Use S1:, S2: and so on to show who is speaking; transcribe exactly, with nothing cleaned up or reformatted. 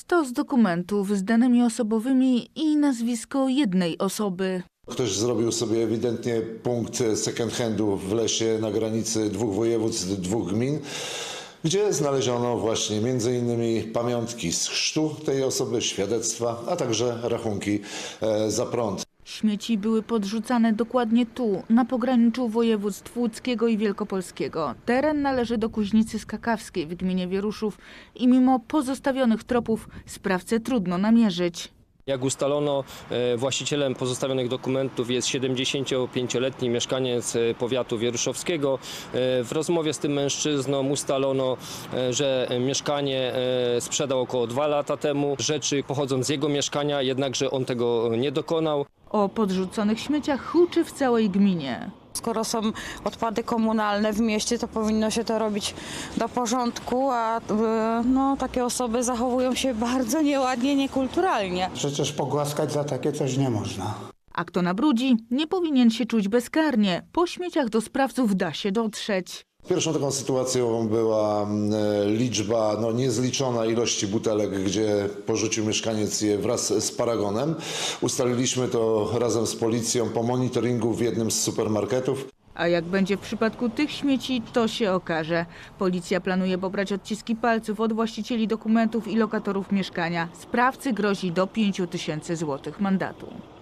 S1: Stos dokumentów z danymi osobowymi i nazwisko jednej osoby.
S2: Ktoś zrobił sobie ewidentnie punkt second handu w lesie na granicy dwóch województw, dwóch gmin, gdzie znaleziono właśnie między innymi pamiątki z chrztu tej osoby, świadectwa, a także rachunki za prąd.
S1: Śmieci były podrzucane dokładnie tu, na pograniczu województw łódzkiego i wielkopolskiego. Teren należy do Kuźnicy Skakawskiej w gminie Wieruszów i mimo pozostawionych tropów sprawcę trudno namierzyć.
S3: Jak ustalono, właścicielem pozostawionych dokumentów jest siedemdziesięciopięcioletni mieszkaniec powiatu wieruszowskiego. W rozmowie z tym mężczyzną ustalono, że mieszkanie sprzedał około dwa lata temu. Rzeczy pochodzą z jego mieszkania, jednakże on tego nie dokonał.
S1: O podrzuconych śmieciach huczy w całej gminie.
S4: Skoro są odpady komunalne w mieście, to powinno się to robić do porządku, a no, takie osoby zachowują się bardzo nieładnie, niekulturalnie.
S5: Przecież pogłaskać za takie coś nie można.
S1: A kto nabrudzi, nie powinien się czuć bezkarnie. Po śmieciach do sprawców da się dotrzeć.
S2: Pierwszą taką sytuacją była liczba, no niezliczona ilości butelek, gdzie porzucił mieszkaniec je wraz z paragonem. Ustaliliśmy to razem z policją po monitoringu w jednym z supermarketów.
S1: A jak będzie w przypadku tych śmieci, to się okaże. Policja planuje pobrać odciski palców od właścicieli dokumentów i lokatorów mieszkania. Sprawcy grozi do pięciu tysięcy złotych mandatu.